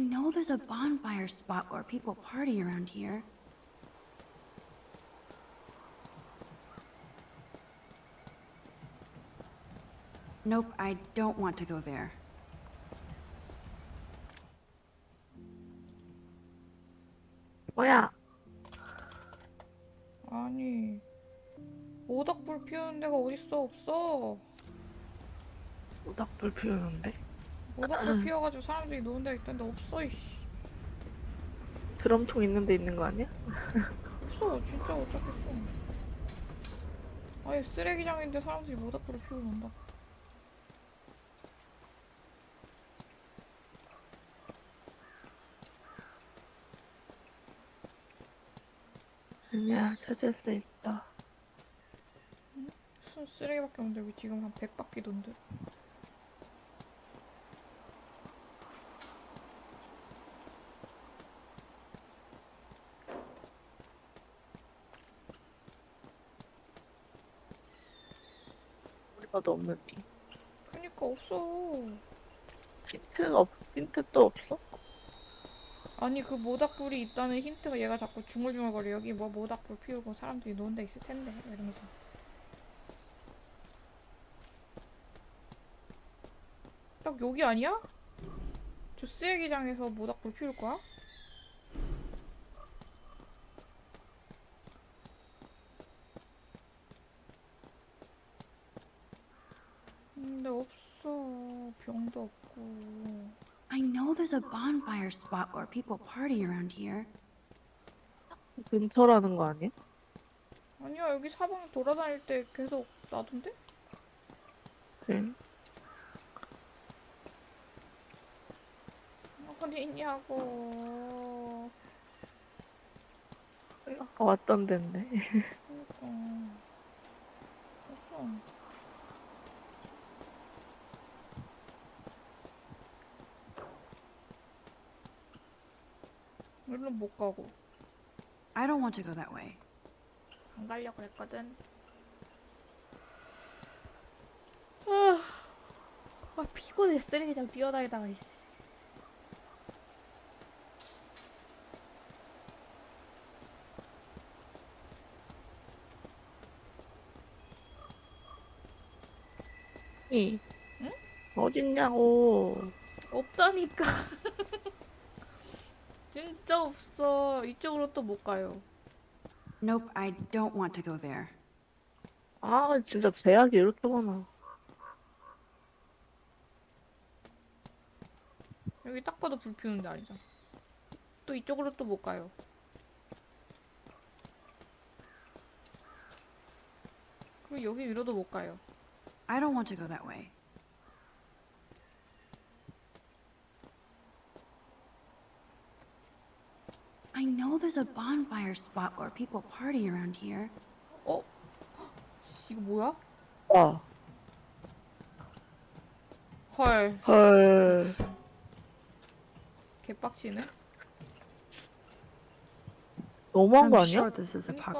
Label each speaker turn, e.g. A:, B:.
A: know there's a bonfire spot where people party around here. Nope, I don't want to go there.
B: 뭐야?
C: 아니, 모닥불 피우는 데가 어딨어? 없어.
B: 모닥불 피우는데?
C: 모닥불 피워가지고 사람들이 노는 데가 있던데 없어, 이씨.
B: 드럼통 있는 데 있는 거 아니야?
C: 없어, 진짜 못 찾겠어. 아니, 쓰레기장인데 사람들이 모닥불을 피우고 논다.
B: 아니야, 찾을 수 있어.
C: 순 쓰레기밖에 없는데 여기 지금 한 100바퀴 돈데.
B: 우리 봐도 없는데.
C: 그니까 없어.
B: 힌트도 없어?
C: 아니, 그 모닥불이 있다는 힌트가 얘가 자꾸 중얼중얼거려. 여기 뭐 모닥불 피우고 사람들이 노는 데 있을 텐데. 이러면서. 딱 여기 아니야? 저 쓰레기장에서 모닥불 피울 거야? 근데 없어. 병도 없고.
A: I know there's a bonfire spot where people party around here.
B: 근처라는 거 아니야?
C: 아니야, 여기 사방 돌아다닐 때 계속 나던데?
B: 그래.
C: 어디 있냐고.
B: 아까 왔던 데인데.
C: 그니까. 없어. 물론 못 가고.
A: I don't want to go that way.
C: 안 가려고 했거든. 피곤해. 쓰레기장 뛰어다니다가, 이씨.
B: 응?
C: 응?
B: 어딨냐고.
C: 없다니까. 진짜 없어. 이쪽으로 또 못 가요.
A: Nope, I don't want to go there.
B: 아, 진짜 제약이 이렇게 많아.
C: 여기 딱 봐도 불 피우는 데 아니잖아. 또 이쪽으로 또 못 가요. 그리고 여기 위로도 못 가요.
A: I don't want to go that way. I know there's a bonfire spot where people party around here.
C: 어? 이거 뭐야?
B: 아,
C: 헐.
B: 헐.
C: 개빡치네.
B: 너무한
A: I'm
B: 거 아니야?
A: sure this is a
C: 그니까